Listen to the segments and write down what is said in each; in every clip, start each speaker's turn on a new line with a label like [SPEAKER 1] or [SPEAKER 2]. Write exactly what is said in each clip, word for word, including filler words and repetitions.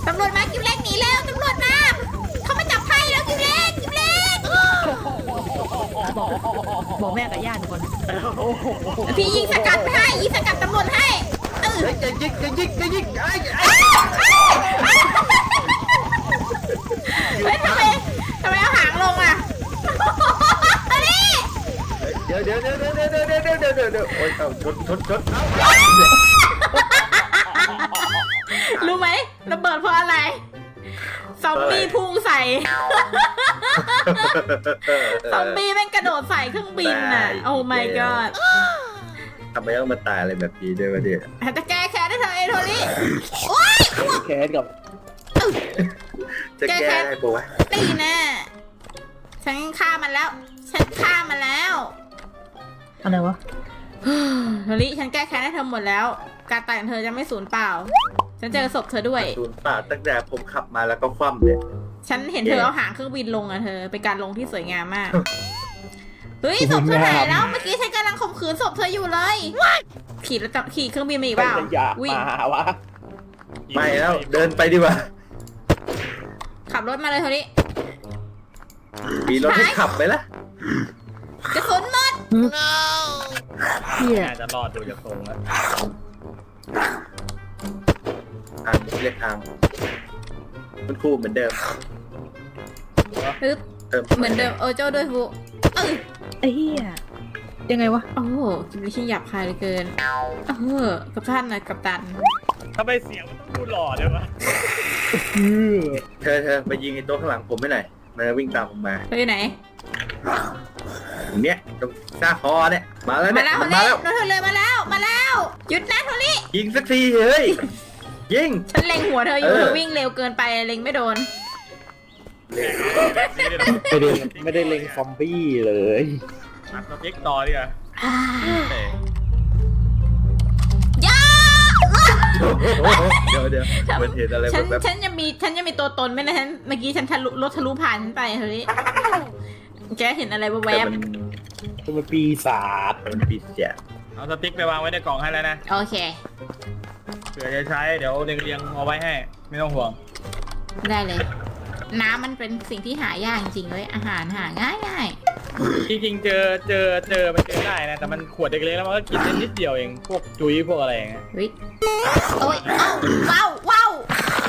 [SPEAKER 1] ตำรวจมากิมเล็กหนีแล้วตำรวจมาเขามาจับไพ่แล้วกิมเล็กกิมเล็ก
[SPEAKER 2] บอกบอกแม่กับญาติก่อน
[SPEAKER 1] พี่ยิงสกัดให้ยิงสกัดตำรวจให้เออ
[SPEAKER 3] จะยิงจะยิงจะยิงไอ้
[SPEAKER 1] เฮ้ยทำไมทำไมเอาหางลงอ่ะ
[SPEAKER 3] เดี๋ยวเดี๋ยวเดี๋ยวเดี๋ยวเดี๋ยวเดี๋ยวเดี๋ยวเดี๋ยวเดี๋ยวโอ้ยเอาชนชนชน
[SPEAKER 1] รู้ไหมระเบิดเพราะอะไรซอมบี้พุ่งใส่ซอมบี้แม่งกระโดดใส่เครื่องบินน่ะโอ้ my god
[SPEAKER 3] ทำไมต้องมาตายอะไรแบบนี้ด้วยวะเนี่ย
[SPEAKER 1] จะแก้แค้นได้เธอเอโทนี่โอ๊ย
[SPEAKER 3] แค้นกับจะแก้ได้ปะวะ
[SPEAKER 1] ตีแน่ฉันฆ่ามันแล้วฉันฆ่ามันแล้ว
[SPEAKER 2] อะไรวะ
[SPEAKER 1] โทนี่ฉันแก้แค้นให้เธอหมดแล้วการตายของเธอจะไม่สูญเปล่าฉันเจอศพเธอด้วย
[SPEAKER 3] สูญเปล่าตั้งแต่ผมขับมาแล้วก็คว่ำเลย
[SPEAKER 1] ฉันเห็นเธอเอาหางเครื่องบินลงอะเธอเป็นการลงที่สวยงามมากเฮ้ยศพเธอหายแล้วเมื่อกี้ฉันกำลังข่มขืนศพเธออยู่เลยขี่แล้วขี่เครื่องบินมาอีกเปล่า
[SPEAKER 3] วิ่งมาวะไม่แล้วเดินไปดีกว่า
[SPEAKER 1] ขับรถมาเลยเท่านี้
[SPEAKER 3] มีรถให้ขับไหมล่ะ
[SPEAKER 1] กระสุนหมด
[SPEAKER 3] เฮียจะรอดดูจากตรงแล้วทางเรียกทางมันคู่เหมือนเดิม
[SPEAKER 1] ปึ๊บเหมือนเดิมโอโจ้ด้วยฟู
[SPEAKER 2] ไอ้เหี้ยยังไงวะ
[SPEAKER 1] โอ้โหกินไม่ใช่หยาบคายเลยเกินเออกับท่านนะกับตัน
[SPEAKER 3] ทำไมเสียงมันต้องดูหล่อเลยวะเธอเธอไปยิงไอ้โต๊ะข้างหลังผมไม่หน่อยมันวิ่งตามผมมา
[SPEAKER 1] ไปไหน
[SPEAKER 3] เนี้ยตรงหน้าคอเนี่ยมาแล้วเนี่ย
[SPEAKER 1] มาแล้วมาแล้วเลยมาแล้วมาแล้วหยุดนะโทนี่
[SPEAKER 3] ยิงสักทีเฮ้ยยิง
[SPEAKER 1] ฉันเล็งหัวเธออยู่เธอวิ่งเร็วเกินไปเล็งไม่โดน
[SPEAKER 3] ไม่ได้ไม่ได้เล็งซอมบี้เลยมาสติ๊กต่อดิอ่ะ
[SPEAKER 1] ย่า
[SPEAKER 3] เดี๋ยวเดี๋ยวมันเห็นอะไร
[SPEAKER 1] ฉันฉันยังมีฉันยังมีตัวตนไหมนะฉันเมื่อกี้ฉันทะลุรถทะลุผ่านฉันไปเฮ้ยแกเห็นอะไรแวบ
[SPEAKER 3] ๆมันปีศาจมันปีศาจเอาสติ๊กไปวางไว้ในกล่องให้แล้วนะ
[SPEAKER 1] โอเค
[SPEAKER 3] เผื่อจะใช้เดี๋ยวเรียงๆเอาไว้ให้ไม่ต้องห่วง
[SPEAKER 1] ได้เลยน้ำมันเป็นสิ่งที่หายากจริงๆเลยอาหารหาง่ายง่าย
[SPEAKER 3] จริงๆเจอเจอเจอมันเจอได้นะแต่มันขวดเล็กๆแล้วมันก็กินได้นิดเดียวเองพวกจุ้ยพวกอะไรอย่างเงี้ย
[SPEAKER 1] เฮ้ยโอ้ยว้าวว้าว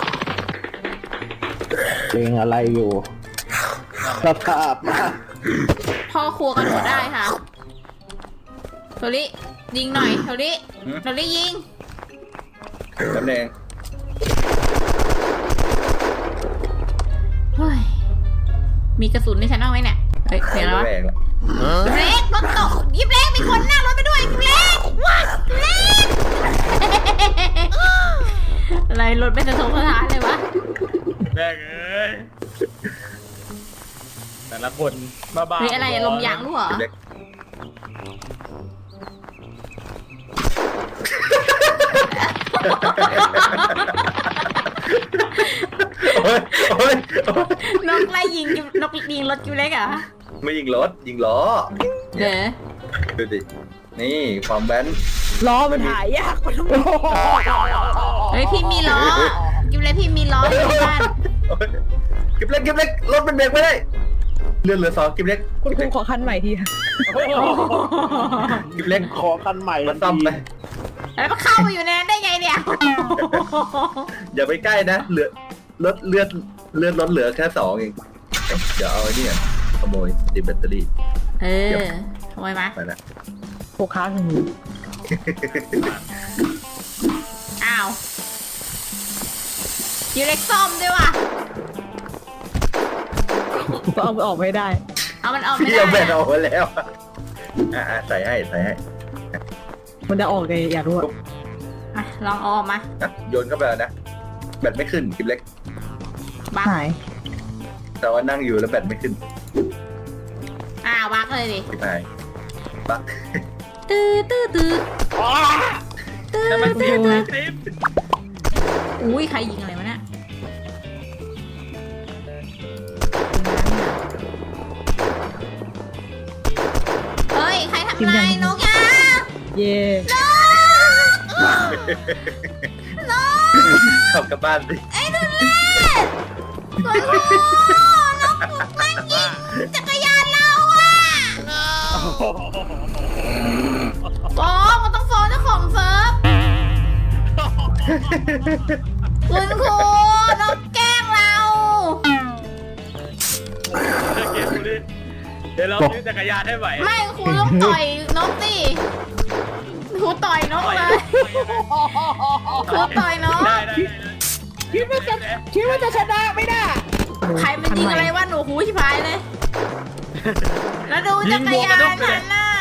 [SPEAKER 3] เพลงอะไรอยู่สภาพมาก
[SPEAKER 1] พ่อครัวกันหมดได้ค่ะโทริยิงหน่อยโทริโทริยิง
[SPEAKER 3] ตำแหน่ง
[SPEAKER 1] เฮ้ยมีกระสุนในฉันเอาไว้เนี่ยเฮ้ยเสียแล้วเล็กรถตกยิบเล็กมีคนนั่งรถไปด้วยยิบเล็กว้าเล็กอะไรรถเป็นสะทกสะท้านเลยวะ
[SPEAKER 3] แม่เอ้ยแต่ละคนบ้าๆ
[SPEAKER 1] เฮ้ยอะไรลมยางรู้เหรอนกไล่ยิงนกยิงรถกิวเล็กอ่ะ
[SPEAKER 3] ไม่ยิงรถยิงล้อ
[SPEAKER 1] เด้อ
[SPEAKER 3] ดูดินี่ความแบน
[SPEAKER 2] ล้อมันหายยากมัน
[SPEAKER 1] เฮ้ยพี่มีล้อกิวเล็กพี่มีล้ออยู่บ้าน
[SPEAKER 3] กิวเล็กกิวเล็กรถมันเบรกไม่ได้เลื่อนเหลือสองกิวเล็ก
[SPEAKER 2] คุณครูขอคันใหม่ที
[SPEAKER 3] กิวเล็กขอคันใหม่มาซ่อมไป
[SPEAKER 1] แล้วมันเข้ามาอยู่ในนั้นได้ไงเนี่ย
[SPEAKER 3] อย่าไปใกล้นะเหลือรถเลือดเลือดรถเหลือแค่สองเองเดี๋ยวเอาไอ้นี่ขโมยติดแบตเตอรี่
[SPEAKER 1] เออขโมยมา
[SPEAKER 3] ไปละ
[SPEAKER 2] โคค้าถึง
[SPEAKER 1] อ้าวยูเล็กซ่อมด้วยว่ะ
[SPEAKER 2] ก็เอาไปออกไม่ได้
[SPEAKER 1] เอามันออกไม่ได้
[SPEAKER 3] พี่เอาแบตออกไปแล้วอ่าใส่ให้ใส่ให้
[SPEAKER 2] มันจะออกไงอยากรู้
[SPEAKER 1] อ่ะลองออกมา
[SPEAKER 3] โยนเข้าไปแล้วนะแบตไม่ขึ้นคลิปเล็ก
[SPEAKER 1] บ้าหาย
[SPEAKER 3] แต่ว่านั่งอยู่แล้วแบตไม่ขึ้น
[SPEAKER 1] อ้าวบักเลยดิ
[SPEAKER 3] ไปบัก
[SPEAKER 1] ตื้อตื้อตื้อตื้อตื้ออุ้ยใครยิงอะไรวะเนี่ยเฮ้ยใครทำลายนกยา
[SPEAKER 2] เย่
[SPEAKER 1] นกนก
[SPEAKER 3] ขับกลับบ้านสิ
[SPEAKER 1] ไอ้ทุเรศโอ้โหน้องปุ๊กแม่งยิงจักรยานเราอ่ะฟ้องมันต้องฟ้องเจ้าของเซิร์ฟคุณครูน้องแกล้งเรา
[SPEAKER 4] เกมนี้เดี๋ยวเราซื้อจักรยานให้ไหว
[SPEAKER 1] ไม่ครูต้องต่อยน้องสิครูต่อยน้องเลยครูต่อยน้อง
[SPEAKER 4] ได้ได้
[SPEAKER 2] คิดว่าจะคิดว่าจะชนะไม่ได้
[SPEAKER 1] ใครมันยิงอะไรวะหนูหูชิพายเลย แล้วดูจักรยานฉันน่ะ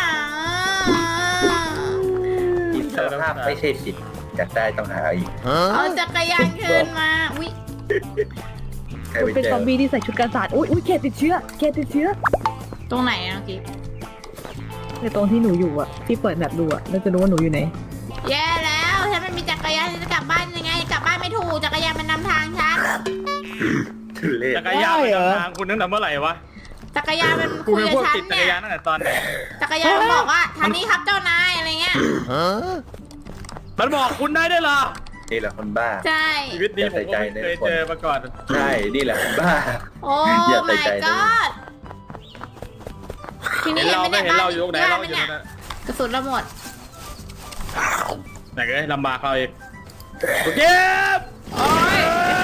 [SPEAKER 3] อิสรภาพไม่ใช่สิทธิ์อยากได้ต้องหาอีก
[SPEAKER 1] เอาจักรยานคืนมาอุ้ย
[SPEAKER 3] ใครไป
[SPEAKER 2] เป็น
[SPEAKER 3] เจ
[SPEAKER 2] ซ
[SPEAKER 3] อ
[SPEAKER 2] อมบี้ที่ใส่ชุดกันศาสตร์อุ้ยอุ้ยเกติดเชื้อเกติดเชื้อ
[SPEAKER 1] ตรงไหนอะน้องกิ๊ฟ
[SPEAKER 2] ในตรงที่หนูอยู่อะที่เปิดแบบดูอะเราจะรู้ว่าหนูอยู่ไหน
[SPEAKER 1] แย่แล้วฉันไม่มีจักรยานฉันจะกลับบ้านยังไง กลับบ้านไม่ถูกจักรยานมันนำทางฉัน
[SPEAKER 3] ทุเรศ
[SPEAKER 4] จักรยานไปทางคุณตั้งแต่เมื่อไหร่วะ
[SPEAKER 1] จักรยานมัน
[SPEAKER 4] คุณ
[SPEAKER 1] คุย
[SPEAKER 4] เป็น
[SPEAKER 1] กับ
[SPEAKER 4] พวก
[SPEAKER 1] ฉัน
[SPEAKER 4] ติดจัก
[SPEAKER 1] เนี่
[SPEAKER 4] ร
[SPEAKER 1] ย
[SPEAKER 4] ยานตั้งแต่ตอนไหน
[SPEAKER 1] จักรยานมันบอกว่าทางนี้ครับเจ้านายอะไรเงี้ย
[SPEAKER 4] มันบอกคุณได้ด้วยเหรอ
[SPEAKER 3] นี่แหละคนบ้า
[SPEAKER 1] ใช่
[SPEAKER 4] ชีวิตนี้ผมก็ไม่เคยเจอมาก่อน
[SPEAKER 3] ใช่นี่แหละคนบ้า
[SPEAKER 1] โอ้
[SPEAKER 3] อย่าใส่
[SPEAKER 1] my
[SPEAKER 3] ใจนะ
[SPEAKER 1] god ที
[SPEAKER 4] เห็
[SPEAKER 1] นี้
[SPEAKER 4] น
[SPEAKER 1] เห็น
[SPEAKER 4] เรา
[SPEAKER 1] ไหม
[SPEAKER 4] ไม่
[SPEAKER 1] เนี่ย
[SPEAKER 4] เห็น
[SPEAKER 1] บ้าน
[SPEAKER 4] เราอยู่ไหน
[SPEAKER 1] บ้าน
[SPEAKER 4] เรา
[SPEAKER 1] ไหม
[SPEAKER 4] อยู่
[SPEAKER 1] เนี่ย
[SPEAKER 4] นั่น
[SPEAKER 1] กระสุนเราหมด
[SPEAKER 4] ไหนเลยลำบากเราอีกโอเค
[SPEAKER 1] โอ้ย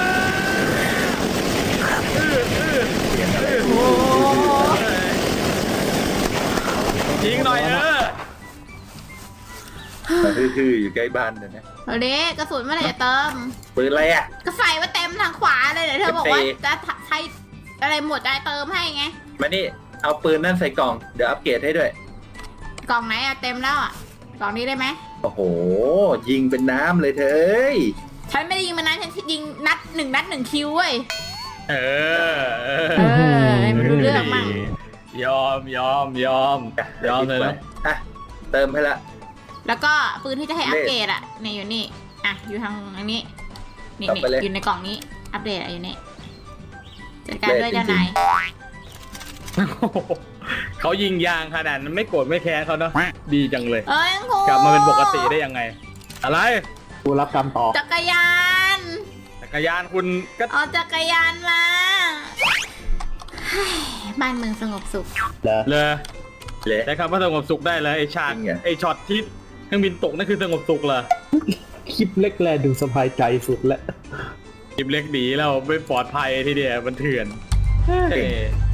[SPEAKER 1] โอ้
[SPEAKER 4] ยิงหน่อยเออ
[SPEAKER 3] มาฮือๆอยู่ใกล้บ้านเลยนะ
[SPEAKER 1] เอาดิกระสุนเมื่อไหร่จะเติม
[SPEAKER 3] ปืนอะไรอ่ะ
[SPEAKER 1] ก็ใส่ไว้เต็มทางขวาเลยเดี๋ยวเธอบอกว่า
[SPEAKER 3] เต็ม
[SPEAKER 1] จะใช้อะไรหมดจะเติมให้ไง
[SPEAKER 3] มานี่เอาปืนนั่นใส่กล่องเดี๋ยวอัปเกรดให้ด้วย
[SPEAKER 1] กล่องไหนอะเต็มแล้วอะกล่องนี้ได้ไหม
[SPEAKER 3] โอ้โห ยิงเป็นน้ำเลยเธอเอ้ย
[SPEAKER 1] ฉันไม่ได้ยิงมันนะฉันยิงนัดหนึ่งนัดหนึ่งคิวเว้ย
[SPEAKER 4] เออเออ
[SPEAKER 1] เออให้มันรู้เรื่องมั่ง
[SPEAKER 4] ยอมยอมยอมยอมเลยนะ
[SPEAKER 3] อ่ะเติมให้ละ
[SPEAKER 1] แล้วก็ปืนที่จะให้อัปเกรดอะนี่อยู่นี่อ่ะอยู่ทางอันนี้นี่นี่อยู่ในกล่องนี้อัปเดตอะอยู่นี่จัดการด้วยเจ้านาย
[SPEAKER 4] เขายิงยางขนาดนั้นไม่โกรธไม่แค้นเขาเนาะดีจังเลย
[SPEAKER 1] เอ้ยครู
[SPEAKER 4] กลับมาเป็นปกติได้ยังไง อะไร
[SPEAKER 5] กูรับกรรมต่อ
[SPEAKER 1] จักรยาน
[SPEAKER 4] จักรยานคุณก็
[SPEAKER 1] เอาจักรยานมาเฮ้ยบ้านเมืองสงบสุข
[SPEAKER 5] เหรอ
[SPEAKER 4] เลย
[SPEAKER 3] เละ
[SPEAKER 4] ใช้คำว่าสงบสุขได้เลยไอฉาก
[SPEAKER 3] จริงเหรอ
[SPEAKER 4] ไอช็อตที่เครื่องบินตกนั่นคือสงบสุขเหรอ
[SPEAKER 5] คลิปเล็กแลดูสบายใจสุดแล้ว
[SPEAKER 4] คลิปเล็กหนีแล้วไม่ปลอดภัยทีเดียวมันเถื่อนเฮ้ย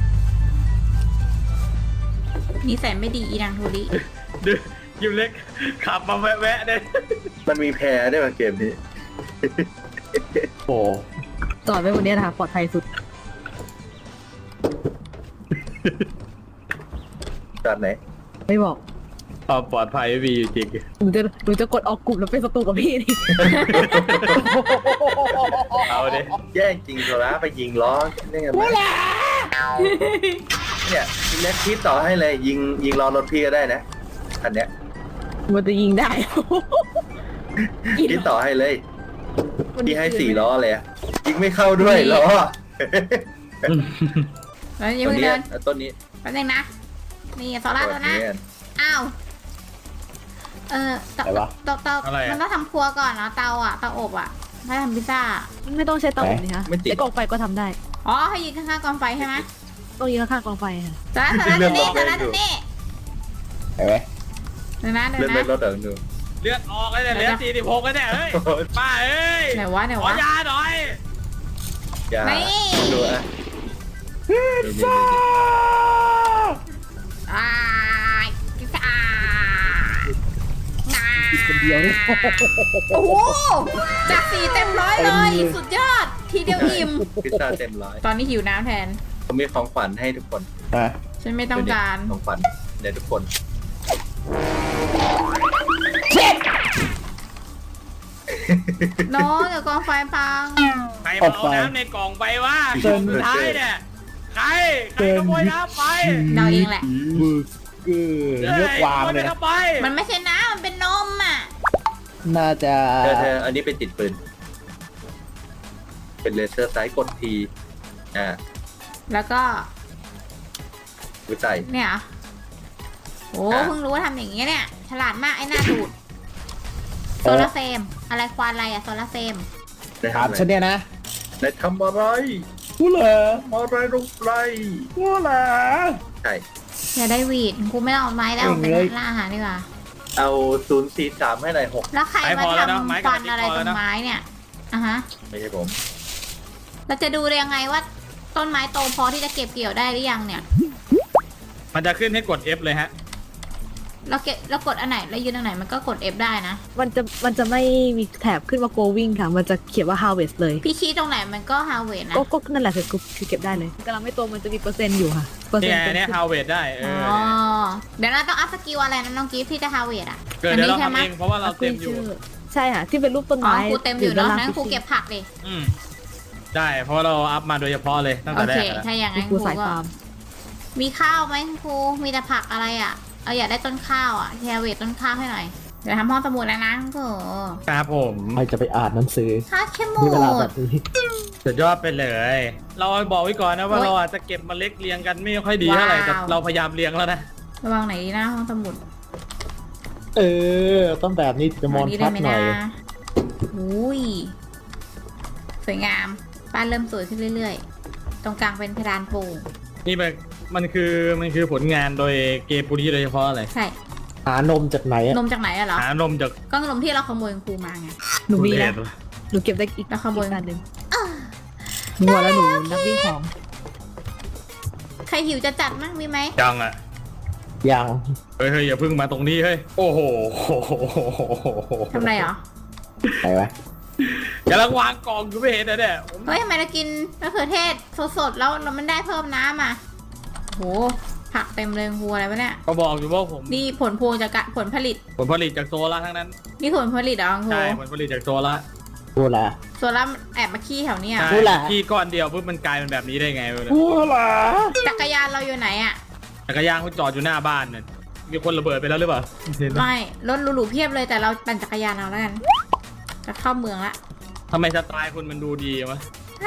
[SPEAKER 1] นิสัยไม่ดีอีนางโทริ
[SPEAKER 4] ดูคลิปเล็กขับมาแวะๆเนี่ย
[SPEAKER 3] มันมีแพ้ได้วยมาเกมนี้
[SPEAKER 5] โอ้
[SPEAKER 2] จอดไว้บนเนี้ยนะคะปลอดภัยสุด
[SPEAKER 3] ตอนไหน
[SPEAKER 2] ไม่บอก
[SPEAKER 4] ความปลอดภัยไม่มีอยู่จริง
[SPEAKER 2] หนูจะหนูจะกดออกกลุ่มแล้วเป็นศัตรูกับพี่นี่
[SPEAKER 4] เอาดิ
[SPEAKER 3] แย่งจริงโซล่าไปยิงล้อได้ไงวะเนี่ยเล็กคิดต่อให้เลยยิงยิงล้อรถพี่ก็ได้นะอันเนี้ย
[SPEAKER 2] มันจะยิงได้
[SPEAKER 3] คิดต่อให้เลยพี่ให้สี่ล้อเลยอะยิงไม่เข้าด้วยล้อ
[SPEAKER 1] แล้วอยัง
[SPEAKER 3] ต้น
[SPEAKER 1] เพิ่ง
[SPEAKER 3] นี้
[SPEAKER 1] เดิน
[SPEAKER 3] อะต้นนี้
[SPEAKER 1] แป๊บนึงนะ นี่โซล่าตัวนะ
[SPEAKER 3] นี้
[SPEAKER 1] อ้าว เออเตาเตาเตามันต้องทำครัวก่อนเนาะเตาอ่ะเตาอบอ่ะถ้าทำพิซซ่า
[SPEAKER 2] ไม่ต้องใช้เตาอบนี่คะใช้กองไฟก็ทำได้
[SPEAKER 1] อ๋อให้ยิงข้างๆกองไฟใช่ไหม
[SPEAKER 2] ต้องยิงข้างๆกองไฟค่ะ
[SPEAKER 1] โซล่าโซล่าตัวนี้โซล่าตัวนี้
[SPEAKER 5] เห็นไหม
[SPEAKER 1] เดี๋ยวนะเดี๋ย
[SPEAKER 3] เลื่อ
[SPEAKER 1] วน
[SPEAKER 3] ไป
[SPEAKER 1] นะ
[SPEAKER 3] รถเดินดู
[SPEAKER 4] เลือดออกเลยเนี่ยเหลือสี่สิบหกแล้วเนี่ยเฮ้ยป้าเอ้ย
[SPEAKER 1] ไหนวะไหน
[SPEAKER 4] ขอ
[SPEAKER 1] วะ
[SPEAKER 4] ยาหน่อย
[SPEAKER 3] อย่า
[SPEAKER 1] นี่
[SPEAKER 3] ดูอ่ะนี่นี่นี่
[SPEAKER 1] อ่าพิซซ่าอ่า
[SPEAKER 5] คนเดียวเนี่ย
[SPEAKER 1] โอ้โหจากสี่เต็มร้อยเลย สุดยอด ทีเดียวอิ่ม
[SPEAKER 3] พิซซ่าเต็มร้อย
[SPEAKER 1] ตอนนี้หิวน้ำแทน
[SPEAKER 3] ผมมีของขวัญให้ทุกคน
[SPEAKER 5] อ่ะ
[SPEAKER 1] ฉันไม่ต้องการ
[SPEAKER 3] ของขวัญเดี๋ยวทุกคน
[SPEAKER 1] น้องเดี๋ยวกองไฟพัง
[SPEAKER 4] ใครมาเอาน้ำในกล่องไปวะกล่องสุดท้ายเนี่ยใครใครขโมยน้ำไป
[SPEAKER 1] เราเองแหละ
[SPEAKER 5] มือเกลือเลือกวางเลย
[SPEAKER 4] ขโม
[SPEAKER 5] นะ
[SPEAKER 4] ไป
[SPEAKER 1] มันไม่ใช่น้ำมันเป็นนมอ่ะ
[SPEAKER 5] น่าจะ
[SPEAKER 3] เธอเธออันนี้เป็นติดปืน เป็นเลเซอร์ไซส์กดทีอ่า
[SPEAKER 1] แล้วก็
[SPEAKER 3] วิจัย
[SPEAKER 1] เนี่ยเหรอโอ้
[SPEAKER 3] อ่ะ
[SPEAKER 1] เพิ่งรู้ว่าทำอย่างนี้เนี่ย ฉลาดมากไอ้หน้าดูด โซลาร์เซลล์อะไรควานอะไรอะโซลาร์เซลล์
[SPEAKER 3] ได้
[SPEAKER 5] ถาม
[SPEAKER 3] ทำอะ
[SPEAKER 5] ฉัน
[SPEAKER 3] ไร
[SPEAKER 5] เนี่ยนะ
[SPEAKER 3] ได้ทำอะไร
[SPEAKER 5] กูเหรอ
[SPEAKER 3] ทำอะไรลงไป
[SPEAKER 5] กูเหรอ
[SPEAKER 3] ใช่
[SPEAKER 1] อย่าได้หวีดกูไม่ต้องเอาไม้แล้ว
[SPEAKER 5] เก่ง
[SPEAKER 1] ไป
[SPEAKER 5] เลย
[SPEAKER 1] ล่าอาหารดีกว่า
[SPEAKER 3] เอาศูนย์สี่สามให้หน่อยหก
[SPEAKER 1] แล้วใคร
[SPEAKER 4] ไม้
[SPEAKER 1] มา
[SPEAKER 4] พอแล้วนะ
[SPEAKER 1] ทำ
[SPEAKER 4] ไม้กับ
[SPEAKER 1] ฟันอะไร
[SPEAKER 4] พอ
[SPEAKER 1] ต
[SPEAKER 4] แล้
[SPEAKER 1] ร
[SPEAKER 4] ว
[SPEAKER 1] ง
[SPEAKER 4] นะ
[SPEAKER 1] ไม้เนี่ยอ่ะฮะ
[SPEAKER 3] ไม่ใช่ผม
[SPEAKER 1] เราจะดูได้ยังไงว่าต้นไม้โตพอที่จะเก็บเกี่ยวได้หรือยังเนี่ย
[SPEAKER 4] มันจะขึ้นให้กด F เลยฮะ
[SPEAKER 1] เราเก็บเรากดอันไหนแล้วยืนอันไหนมันก็กด F ได้นะ
[SPEAKER 2] มันจะมันจะไม่มีแถบขึ้นว่า going ค่ะ มันจะเขียนว่า harvest เลย
[SPEAKER 1] พี่ชี้ตรงไหนมันก็ harvest นะ
[SPEAKER 2] ก็ก็นั่นแหละคือคือเก็บได้เลยกำลังไม่โตมันจะมีเปอร์เซ็นต์อยู่ค่ะเปอร์เซ็
[SPEAKER 4] เนี่
[SPEAKER 2] น
[SPEAKER 4] ย
[SPEAKER 2] ต์เป็น
[SPEAKER 4] เนี่ยฮาวเวดได้เอ
[SPEAKER 1] อ๋
[SPEAKER 4] อ
[SPEAKER 1] อเดี๋ยวเราต้องอัพสกิลอะไรนะน้องกิฟที่จะ harvest อ่ะ
[SPEAKER 4] เกิดเดี๋ยวเราทำเองเพราะว่าเราเต็มอยู่
[SPEAKER 2] ใช่ค่ะที่เป็นรูปต้น
[SPEAKER 1] อ๋อ
[SPEAKER 2] ไม้
[SPEAKER 1] ครูเต็มอยู่เนาะ
[SPEAKER 2] ด้
[SPEAKER 1] งั้นครู
[SPEAKER 2] ล่าง
[SPEAKER 1] เก็บผักดิ
[SPEAKER 4] อืมได้เพราะว่าเราอัพมาโดยเฉพาะเลยตั้ง
[SPEAKER 1] โอ
[SPEAKER 4] แต่แร
[SPEAKER 1] เค
[SPEAKER 4] กแล้ว
[SPEAKER 1] ถ้าอย่างนั้น
[SPEAKER 2] ค
[SPEAKER 1] ค
[SPEAKER 2] รู
[SPEAKER 1] รู
[SPEAKER 2] สาย
[SPEAKER 1] ก็
[SPEAKER 2] ฟาร์ม
[SPEAKER 1] มีข้าวไหมครูมีแต่ผักอะไรอ่ะเอาอยากได้ต้นข้าวอ่ะแฮร์เวทต้นข้าวให้หน่อยเดี๋ยวทำห้องสมุดแล้วนะครู
[SPEAKER 4] ครับผม
[SPEAKER 5] ใครจะไปอ่านหนังสือ
[SPEAKER 1] ข้าวเข้มหม
[SPEAKER 5] มีเวลาแบ
[SPEAKER 1] ด
[SPEAKER 5] บนี้
[SPEAKER 4] สุดยอดไปเลย เราบอกไว้ก่อนนะว่า
[SPEAKER 1] โอ๊ย
[SPEAKER 4] เราอาจจะเก็บเมาเล็ดเรียงกันไม่ค่อยดีเท่าไหร่
[SPEAKER 1] ว้าว
[SPEAKER 4] แต่เราพยายามเรียงแล้วนะ
[SPEAKER 1] ระวังไหนดีนะห้องสมุด
[SPEAKER 5] เออ ต้องแบบนี้ถึงจะมอน
[SPEAKER 1] นี้
[SPEAKER 5] ชั
[SPEAKER 1] ได้
[SPEAKER 5] ด
[SPEAKER 1] ไหม
[SPEAKER 5] หน่
[SPEAKER 1] นะ
[SPEAKER 5] อย
[SPEAKER 1] อุ้ยสวยงามบ้านเริ่มสวยขึ้นเรื่อยๆ ตรงกลางเป็นเพดานโปร่ง
[SPEAKER 4] นี่มันมันคือมันคือผลงานโดยเกมปุรีโดยเฉพาะเลย
[SPEAKER 1] ใช่
[SPEAKER 5] หานมจากไหนอะ
[SPEAKER 1] นมจากไหนอะเหรอ
[SPEAKER 4] หานมจาก
[SPEAKER 1] ก็นมที่เราขโมยครูมาไง
[SPEAKER 2] หนูมี
[SPEAKER 4] ทุเร
[SPEAKER 2] แล้
[SPEAKER 4] ศ
[SPEAKER 2] วหนูเก็บได้อีก
[SPEAKER 1] แล้วขโมย
[SPEAKER 2] อีกอันหนึ่งหนูบอกแล้วหนูนักวิ่งของ
[SPEAKER 1] ใครหิวจะจัดมั้งมีไหม
[SPEAKER 4] จังอ่ะ
[SPEAKER 5] ยัง
[SPEAKER 4] เฮ้ยเฮ้ยอย่าเพึ่งมาตรงนี้เฮ้ยโอ้โห
[SPEAKER 1] ทำไรเหรอ
[SPEAKER 5] ไหนวะ
[SPEAKER 4] กำลังวางกล่องอยู่ไม่เห็นนะเนี่ยผม
[SPEAKER 1] เฮ้ยทำไมเรากินมะเขือเทศสดๆแล้วเรามันได้เพิ่มน้ำอ่ะโหผักเต็มเลยครูอะไรวะเนี่ย
[SPEAKER 4] ก็บอกอยู่ว่าผม
[SPEAKER 1] นี่ผลพวงจากกะผลผลิต
[SPEAKER 4] ผลผลิตจากโซล่าทั้งนั้น
[SPEAKER 1] นี่ผลผลิตเหรอครู
[SPEAKER 4] ใช่ผลผลิตจากโซล่า
[SPEAKER 5] กูล่ะ
[SPEAKER 1] ส่วนเราแอบมาขี้แถวเนี้ย
[SPEAKER 4] ใช่
[SPEAKER 5] พูดแหละ
[SPEAKER 4] ที่ก้อนเดียวปุ๊บมันกลายเป็นแบบนี้ได้ไงวะเนี่ย
[SPEAKER 5] กูล่ะ
[SPEAKER 1] จักรยานเราอยู่ไหนอ่ะ
[SPEAKER 4] จักรยานเขาจอดอยู่หน้าบ้านเนี่ยมีคนระเบิดไปแล้วหรือเปล่าเห็นไหม
[SPEAKER 1] ไม่รถหรูๆเพียบเลยแต่เราปั่นจักรยานเอาแล้วกันจะเข้าเมืองละ
[SPEAKER 4] ทำไมสไตล์คุณมันดูดีวะ
[SPEAKER 1] ไฮ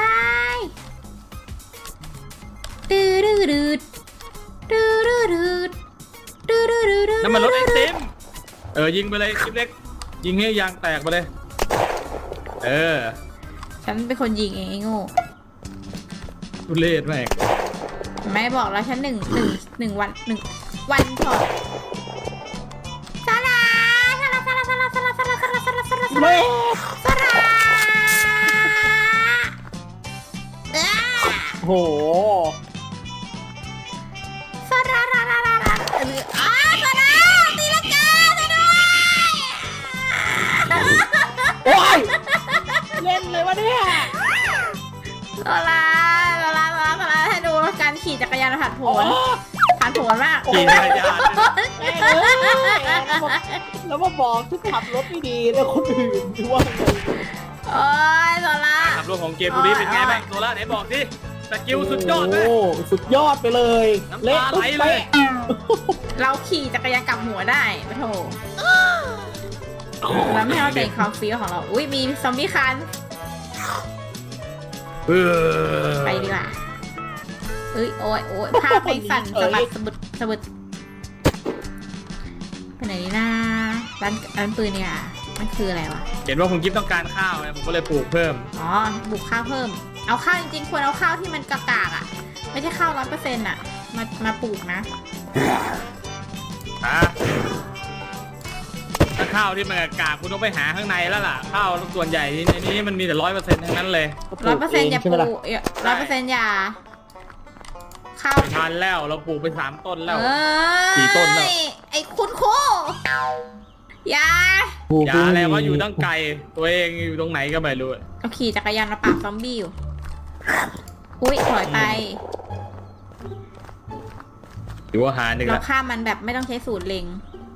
[SPEAKER 1] ดืดดืดดืดดืดดืดดืดดืดดืดดืด
[SPEAKER 4] นั่นมันรถไอติมเออยิงไปเลยคลิปเล็กยิงให้ยางแตกไปเลยเออ
[SPEAKER 1] ฉันเป็นคนยิงเองไอ้โง่
[SPEAKER 4] ทุเรศแม่ง
[SPEAKER 1] ไม่บอกแล้วฉันหนึ่งหนึ่งหนึ่งวันหนึ่งวันช็อตสลาสลาสลาสลาสลาสลาสลาสลาสลาสลา
[SPEAKER 5] ไม่
[SPEAKER 1] สลาเอ้า
[SPEAKER 5] โห
[SPEAKER 1] สลาลาลาลาลาเอออ้าสลาตีลังกาซะด้วย
[SPEAKER 5] โอ้ย เล่นเลยวะเนี่ย
[SPEAKER 1] สลาสลาสลาสลาให้ดูการขี่จักรยานผ่านผลผ่านผลมาก
[SPEAKER 4] ขี่จักรยาน
[SPEAKER 5] แม่งเอ้ยแล้วมาบอกที่ขับรถไม่ดีแล้วคนอื่นดูว่า
[SPEAKER 1] โอ้ยสลา
[SPEAKER 4] ขับรถของเกมบุรีเป็นไงบ้างโซล่าไหนบอกสิสกิลสุดยอดเลย
[SPEAKER 5] โอ้สุดยอดไปเลย
[SPEAKER 4] น้ำตาไหลเลย
[SPEAKER 1] เราขี่จักรยานกลับหัวได้ปะโถแล้วไม่ให้เราเด่นความฟีลของเรา อุ้ยมีซอมบี้คัน
[SPEAKER 4] เออ
[SPEAKER 1] ไปดีกว่าเอ้ยโอ้ยโอ้ยภาพในสั่นสะบัดสะบึดสะบึดไปไหนดีนะร้านร้านปืนเนี่ยมันคืออะไรวะ
[SPEAKER 4] เห็นว่าคุณกิฟต้องการข้าวไงผมก็เลยปลูกเพิ่ม
[SPEAKER 1] อ๋อบุกข้าวเพิ่ม เอาข้าวจริงๆควรเอาข้าวที่มันกากๆอ่ะ ไม่ใช่ข้าวร้อยเปอร์เซ็นต์อ่ะ มามาปลูกนะ
[SPEAKER 4] ฮะถ้าข้าวที่มันกากคุณต้องไปหาข้างในแล้วล่ะ ข้าวส่วนใหญ่ในนี้มันมีแต่ร้อยเปอร์เซ็นต์ทั้งนั้นเลย
[SPEAKER 1] ร้อยเปอร์เซ็นต์อย่าป
[SPEAKER 5] ใช่ไหมล่ะ
[SPEAKER 1] ลูกร้อยเปอร์เซ็นต์อย่าข้าว
[SPEAKER 4] ไม่ทันแล้วเราปลูกไปสามต้นแล้ว
[SPEAKER 1] เอ้ย
[SPEAKER 4] กี่ต้นแล้ว
[SPEAKER 1] ไอ้คุณครูอย่า
[SPEAKER 4] อย่าอะไรว่าอยู่ตั้งไกลตัวเองอยู่ตรงไหนก็ไม่รู้
[SPEAKER 1] เอาขี่จักรยานมาปราบซอมบี้อยู่ อุ้ยถอยไป
[SPEAKER 4] หรือว่าหาหนึ่ง
[SPEAKER 1] เรา
[SPEAKER 4] ละ
[SPEAKER 1] ฆ่ามันแบบไม่ต้องใช้สูตรเล็ง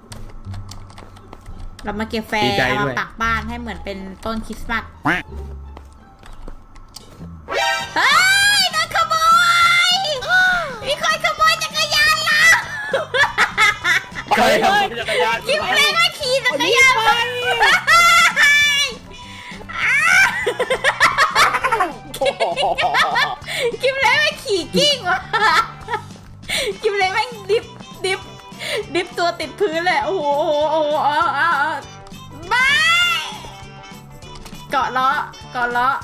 [SPEAKER 1] เรามาเก็บแฟ
[SPEAKER 4] ดี
[SPEAKER 1] ร์
[SPEAKER 4] ใจ
[SPEAKER 1] เอา
[SPEAKER 4] ด้วย
[SPEAKER 1] มาปักบ้านให้เหมือนเป็นต้นคริสต์มาส เฮ้ยโดนขโมย มีคนขโมยจักรยานเรา
[SPEAKER 4] ใครทำจักรยาน
[SPEAKER 1] คิดเลยว่าขี่จักรยานไปคิดเลยว่าขี่กิ้งวะคิดเลยว่าดิบดิบดิบตัวติดพื้นเลยโอ้โหโอ้โหโอ้โหเอาเอาเอาบายเกาะล้อเกาะอเลาะ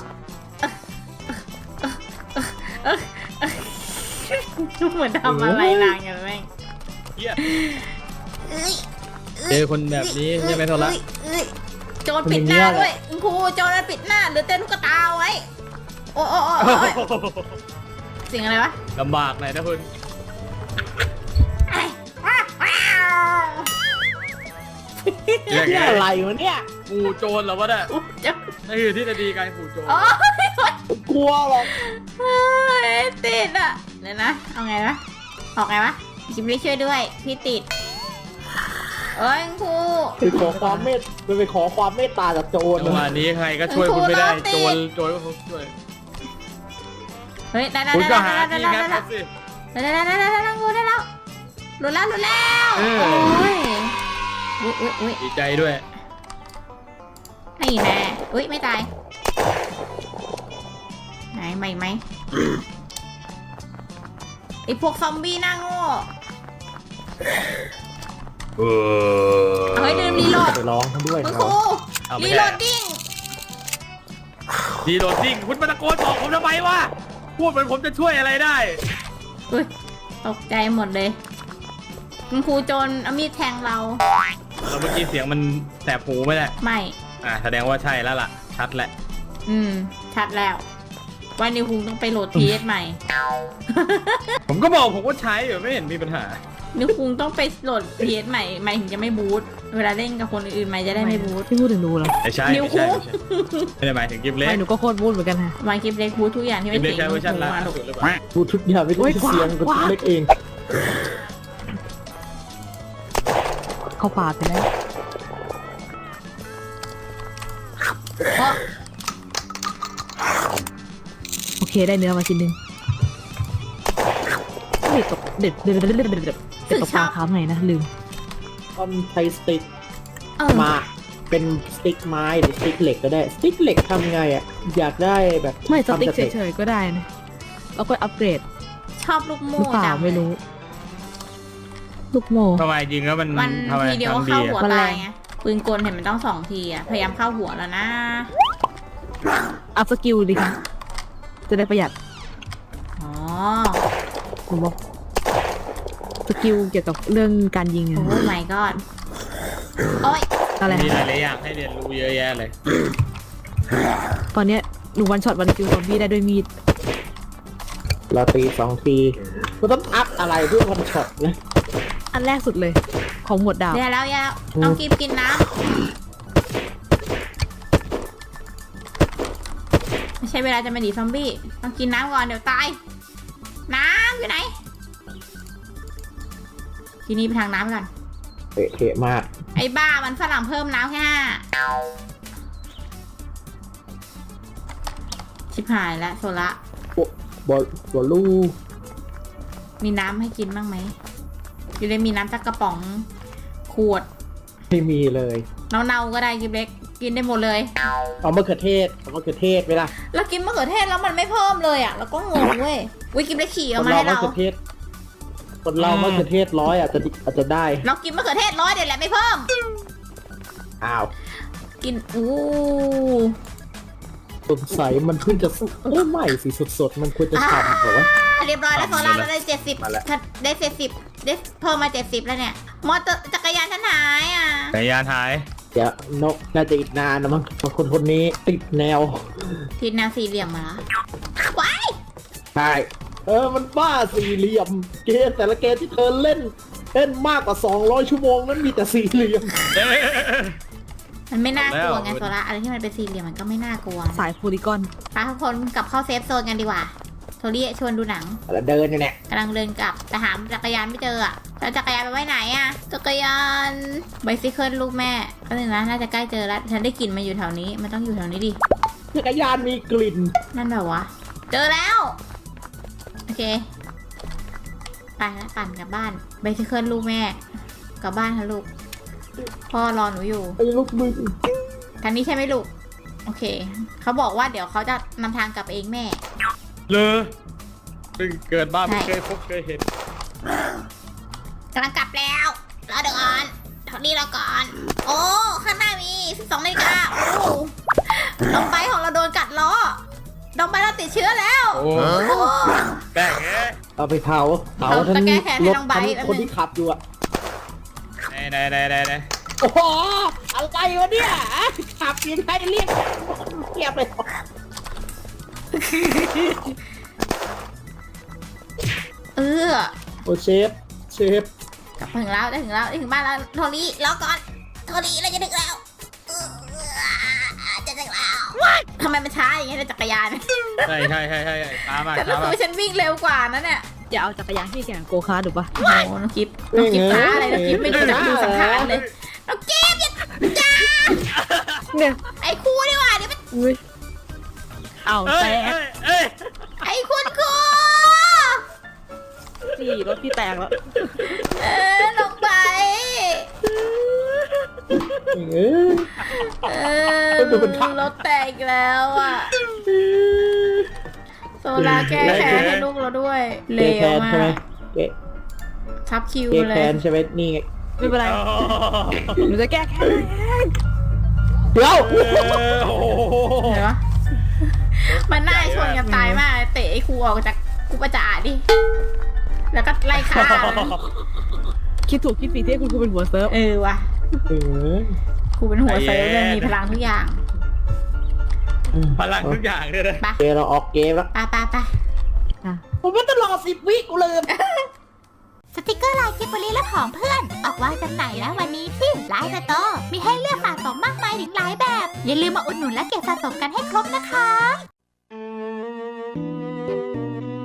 [SPEAKER 1] เหมือนทำอะไรนางอย่างแม่ง
[SPEAKER 4] เหี้ย
[SPEAKER 1] เอ้ย
[SPEAKER 4] เจอคนแบบนี้ใช่ไหมโทรละ
[SPEAKER 1] เอ้ยโจรปิดหน้าด้วยคุณครูโจรปิดหน้าหรือเต้นลูกตาไว้โอ้โอ้โอ้โอ้เสียงอะไรวะ
[SPEAKER 4] ลำบากหน่อยนะคุณ
[SPEAKER 5] นี่อะไรวะเนี่ย
[SPEAKER 4] ปู่โจรเหรอวะเนี่ย
[SPEAKER 1] อุ๊ยเจ้า
[SPEAKER 4] นี่คือที่จะดีการปู่โจร
[SPEAKER 1] โอ้ย
[SPEAKER 5] กลัวหรอก
[SPEAKER 1] เฮ้ยติดอ่ะเดี๋ยวนะเอาไงวะออกไงวะจิมลี่ช่วยด้วยพี่ติดเอ้ยคุณครู
[SPEAKER 5] ไปขอความเมตไปขอความเมตตาจากโจร
[SPEAKER 4] จังหวะนี้ใครก็ช่วยคุณไม่ได้โจรโจรก็คงช่วย
[SPEAKER 1] เฮ้ยได้ได้
[SPEAKER 4] คุณ
[SPEAKER 1] ได้
[SPEAKER 4] ก็
[SPEAKER 1] ได้
[SPEAKER 4] หา
[SPEAKER 1] ได้
[SPEAKER 4] ที่
[SPEAKER 1] ได้
[SPEAKER 4] งัด
[SPEAKER 1] ได้
[SPEAKER 4] เขาสิ
[SPEAKER 1] ได้ได้ได้ได้ได้ได้กูได้แล้วหลุดแล้วหลุดแล้ว
[SPEAKER 4] เออ
[SPEAKER 1] โอ้ยอุ้ยอุ้ยอุ้ย
[SPEAKER 4] ดีใจด้วย
[SPEAKER 1] นี่แน่อุ้ยไม่ตายไหนไม่ไหมไอพวกซอมบี้หน้าโง่
[SPEAKER 4] เออ
[SPEAKER 1] เอาให้ดื่มรีโหลด
[SPEAKER 5] ไปร้องเขาด้วย
[SPEAKER 1] คุณ
[SPEAKER 5] เขา
[SPEAKER 1] ครู
[SPEAKER 4] เอาไม่
[SPEAKER 1] รี
[SPEAKER 4] ได้
[SPEAKER 1] โหลดดิ้ง
[SPEAKER 4] ดีโดดจริงคุณมาตะโกนบอกผมทำไมวะพูดเหมือนผมจะช่วยอะไรได้
[SPEAKER 1] อุ้ยตกใจหมดเลยคุณครูโจรเอามีดแทงเรา
[SPEAKER 4] เราเมื่อกี้เสียงมันแสบหูไหมเนี่ย
[SPEAKER 1] ไม่
[SPEAKER 4] อ่าแสดงว่าใช่แล้วล่ะ ชัดแหละ
[SPEAKER 1] อืม ชัดแล้ว วันนี้คุงต้องไปโหลดทีเอสใหม่
[SPEAKER 4] ผมก็บอกผมว่าใช้อยู่ไม่เห็นมีปัญหา
[SPEAKER 1] นิวคุงต้องไปโหลดทีเอสใหม่ใหม่ถึงจะไม่บูทเวลาเล่นกับคนอื่นๆใหม่จะได้ไม่บูท
[SPEAKER 2] พี่พูดถึงดูเหรอ
[SPEAKER 4] ไม่ใช่
[SPEAKER 1] นิ้ว
[SPEAKER 4] ไม่ใช่
[SPEAKER 1] คู่
[SPEAKER 4] ไม่ใช่ไม่ได้หมายถึงกิฟเล็ก
[SPEAKER 2] ไม่หนูก็โคตรพูดเหมือนกันค่ะ
[SPEAKER 1] มาคลิปเล็กบูททุกอย่างที่
[SPEAKER 4] กิ
[SPEAKER 1] ไม่
[SPEAKER 4] ฟเล็ก
[SPEAKER 1] เสียง
[SPEAKER 4] ใช้เวอร์ชันล่า
[SPEAKER 1] มาลูก
[SPEAKER 4] สุดหรือเปล่า
[SPEAKER 5] พูดทุกอย่างไม่ได้เสียงกับเล็กเอง
[SPEAKER 2] เข้าป่าไปแล้ว
[SPEAKER 1] เพราะ
[SPEAKER 2] โอเคได้เนื้อมาชิ้นหนึงเด็ดตกเด็ดเด็ดเด็ดเด็ดเด็ดเด็ดเด็ดตกปลาค้าไงนะลืม
[SPEAKER 5] ตอนใช้สติ๊ก
[SPEAKER 1] เออ
[SPEAKER 5] มาเป็นสติ๊กไม้หรือสติ๊กเหล็กก็ได้สติ๊กเหล็กทำไงอ่ะอยากได้แบบ
[SPEAKER 2] ไม่สติ๊ก
[SPEAKER 5] ทำจากห
[SPEAKER 2] เฉยๆก็ได้นะแล้วก็อัปเกรด
[SPEAKER 1] ชอบลูก
[SPEAKER 2] ห
[SPEAKER 1] โม่
[SPEAKER 2] รือเปล่า
[SPEAKER 1] จัง
[SPEAKER 2] ไม่รู้ ลูกโม
[SPEAKER 4] ทำไมจริงแล้วมัน
[SPEAKER 1] มัน
[SPEAKER 4] ทำไม
[SPEAKER 1] ทีเดียวก็
[SPEAKER 4] ทำดี
[SPEAKER 1] เข้าหัว
[SPEAKER 4] อะ
[SPEAKER 2] มันแร
[SPEAKER 1] ตาย
[SPEAKER 2] ง
[SPEAKER 1] ไงปืนกลเห็นมันต้องสองทีอ่ะพยายามเข้าหัวแล้วนะ
[SPEAKER 2] อัพสกิลดีค่ะจะได้ประหยัด
[SPEAKER 1] อ๋อ
[SPEAKER 2] ผมบอกสกิลเกี่ยวกับเรื่องการยิง
[SPEAKER 1] โอ้
[SPEAKER 2] อะ
[SPEAKER 1] ไม่ก็โอ้ย
[SPEAKER 2] อะไร
[SPEAKER 4] มีห
[SPEAKER 2] นะ
[SPEAKER 4] ลายๆอย่างให้เรียนรู้เยอะแยะเลย
[SPEAKER 2] ตอนเนี้ยหนูวันช็อตวันคิวซอมบี้ได้ด้วยมีด
[SPEAKER 5] เราตีสองทีมันต้องอัพอะไรเพื่อวันช็อตนะ
[SPEAKER 2] อันแรกสุดเลย ของหมวดดาบ
[SPEAKER 1] เดี๋ยวแล้วเดี๋ยวแล้วต้องกินกินน้ำไม่ใช่เวลาจะมาดีซอมบี้ต้องกินน้ำก่อนเดี๋ยวตายน้ำอยู่ไหนทีนี้ไปทางน้ำก่อน
[SPEAKER 5] เตะเทะมาก
[SPEAKER 1] ไอ้บ้ามันฝรั่งเพิ่มน้ำแค่ห้าชิบหายแล้วโซละ
[SPEAKER 5] บอลบอลลู
[SPEAKER 1] มีน้ำให้กินบ้างไหมอยู่เลยมีน้ำจากกระป๋องขวด
[SPEAKER 5] ไม่มีเลย
[SPEAKER 1] เนาๆก็ได้กินเล็กกินได้หมดเลย
[SPEAKER 5] เอามะเขือเทศเอามะเขือเทศเวลา
[SPEAKER 1] แล้วกินมะเขือเทศแล้วมันไม่เพิ่มเลยอ่ะแล้วก็งงเว้ยวิกินเล็กขี่
[SPEAKER 5] ค
[SPEAKER 1] เอา
[SPEAKER 5] น
[SPEAKER 1] มา
[SPEAKER 5] เรา
[SPEAKER 1] ให้
[SPEAKER 5] มะ
[SPEAKER 1] เรา
[SPEAKER 5] เขือเทศคนเรามะเขือเทศร้อยอาจจะอาจจะได้
[SPEAKER 1] เรากินมะเขือเทศร้อยเดี๋ยวแหละไม่เพิ่ม
[SPEAKER 5] อ้าว
[SPEAKER 1] กินอู้
[SPEAKER 5] สงสัยมันเพิ่งจะสุกเอ้ยไม่สิสดๆมันควรจะฉ่ำเหรอวะ
[SPEAKER 1] เรียบร้อยแล้วโซล่าเราได้เจ็ดสิบ
[SPEAKER 3] มาแล้ว
[SPEAKER 1] ได้เจ็ดสิบได้เพิ่มมาเจ็ดสิบแล้วเนี่ยมอเตอร์จักรยานฉันหายอ่ะ
[SPEAKER 4] จักรยานหาย
[SPEAKER 5] เดี๋ยวนกน่าจะอีกนานนะมั้งเพราะคนคนนี้ติดแนว
[SPEAKER 1] ทิศแนวสี่เหลี่ยมมาแล้วว้าย
[SPEAKER 5] ใช่เออมันบ้าสี่เหลี่ยมเกมแต่ละเกมที่เธอเล่นเล่นมากกว่าสองร้อยชั่วโมงนั้นมีแต่สี่เหลี่ยม
[SPEAKER 1] มันไม่น่ากลัว
[SPEAKER 4] แล้ว
[SPEAKER 1] ไงโซล่าอะไรที่มันเป็นสี่เหลี่ยมมันก็ไม่น่ากลัว
[SPEAKER 2] สายโพลีกอน
[SPEAKER 1] พาทุกคนกลับเข้าเซฟโซนกันดีกว่าโทรี่ชวนดูหนัง
[SPEAKER 5] แล้วเดินอยู่เนี่ย
[SPEAKER 1] กำลังเดินกลับแต่หาจักรยานไม่เจออ่ะแล้วจักรยานไปไว้ไหนอ่ะจักรยานไบซิเคิลลูกแม่ก็เลยนะน่าจะใกล้เจอแล้วฉันได้กลิ่นมาอยู่แถวนี้มันต้องอยู่แถวนี้ดิ
[SPEAKER 5] จักรยานมีกลิ่น
[SPEAKER 1] นั่นแบบวะเจอแล้วโอเคไปแล้วปั่นกลับบ้านไบซิเคิลลูกแม่กลับบ้านค่ะลูกพ่อรอหนูอยู่
[SPEAKER 5] ไอ้ลูกมึง
[SPEAKER 1] ทางนี้ใช่ไหมลูกโอเคเขาบอกว่าเดี๋ยวเขาจะนำทางกลับเองแม่
[SPEAKER 4] เลยเพิ่งเกิดบ้า
[SPEAKER 1] ใช่
[SPEAKER 4] ไม่เคยพบเคยเห็น
[SPEAKER 1] กำลังกลับแล้วรอเดี๋ยวก่อนเท่านี้รอก่อน โอ้ ข้างหน้ามีสิบสองนาฬิกาโอ้น้องไบของเราโดนกัดล้อน้องไบเราติดเชื้อแล้ว
[SPEAKER 4] โอ้
[SPEAKER 1] โอ้
[SPEAKER 4] แป้งเอ้ย
[SPEAKER 5] เอาไปเผาเผา
[SPEAKER 1] เอา
[SPEAKER 5] ทั้ง
[SPEAKER 1] ตะแกรงแขนให้
[SPEAKER 5] รถ
[SPEAKER 1] น้องไบร์ท
[SPEAKER 5] ทั้งคนที่ขับอยู่อะ
[SPEAKER 4] ไหนไหนไหนไหนไหน
[SPEAKER 5] โอ้โหอะไรวะเนี่ยขับยังไงเรียกเรียบเลย
[SPEAKER 1] เออ
[SPEAKER 5] โอ้เชฟเชฟ
[SPEAKER 1] กลับมาถึงแล้วได้ถึงแล้วได้ถึงบ้านแล้วโทนี่รอก่อนโทนี่เราจะถึงแล้วเออจะถึงแล้วทำไมมันช้าอย่างเงี้ยในจักรยาน
[SPEAKER 4] ใช่ใช่ใช่ใช่ช้ามาก
[SPEAKER 1] แต่
[SPEAKER 4] ช้า
[SPEAKER 1] รู้สึก
[SPEAKER 4] มาก
[SPEAKER 1] ว่าฉันวิ่งเร็วกว่านะเนี่ย
[SPEAKER 2] อย่าเอาจักรยานที่แข่งโกคาร์ทถูกปะ
[SPEAKER 1] โอ้โหน้องกิฟน้องกิฟท้าอะไรน้องกิฟไม่รู้จักดูสังขารเลยน้องกิฟอย่าจ้า
[SPEAKER 2] เนี่ย
[SPEAKER 1] ไอ้ครูดีกว่าเดี๋ยวมัน
[SPEAKER 2] อุ้ยเอา
[SPEAKER 4] เอ้
[SPEAKER 2] แต
[SPEAKER 4] ย
[SPEAKER 2] ก
[SPEAKER 4] เอ้ยเอ้ย
[SPEAKER 1] ไอ้คุณครู
[SPEAKER 2] สี่รถพี่แตกแล้ว
[SPEAKER 1] เออลงไป
[SPEAKER 5] เออ
[SPEAKER 1] เออรถแตกอีกแล้วอ่ะโซลาแก้แค้นให้ลูกเราด้วยเล
[SPEAKER 5] เก
[SPEAKER 1] ว
[SPEAKER 5] แคน
[SPEAKER 1] มา
[SPEAKER 5] ใช่ไหม
[SPEAKER 1] ก
[SPEAKER 5] เก
[SPEAKER 1] ทับคิว
[SPEAKER 5] เก
[SPEAKER 1] เล
[SPEAKER 5] แค
[SPEAKER 1] ย
[SPEAKER 5] นใช่ไหมนี่ไง
[SPEAKER 2] ไม่เป็นไร
[SPEAKER 4] โอ้
[SPEAKER 2] หนูจะแก้แค้นเอง
[SPEAKER 5] เดี๋ยว
[SPEAKER 4] โห
[SPEAKER 1] เห็นปะมันน่าชนกันตายมากเตะไอ้ครูออกจากกูประจาดิแล้วก็ไล่ฆ่ามัน
[SPEAKER 2] คิดถูกคิดผิดที่คุณครูเป็นหัวเซิร์ฟ
[SPEAKER 1] เออว่ะ
[SPEAKER 5] เออ
[SPEAKER 1] ครูเป็นหัวเซิร์ฟเลยมีพลังทุกอย่าง
[SPEAKER 4] พลังทุกอย่างเลยนะ
[SPEAKER 1] ไป
[SPEAKER 5] เกเราออกเกมแล้ว
[SPEAKER 1] ไปไปไป
[SPEAKER 5] ผมไม่ต้องรอสิบวิกูลืม
[SPEAKER 6] สติกเกอร์ลายกิบบลีและของเพื่อน ออกวางจำหน่ายแล้ววันนี้ที่ไลน์สโตร์มีให้เลือกสะสมมากมายถึงหลายแบบ อย่าลืมมาอุดหนุนและเก็บสะสมกันให้ครบนะคะ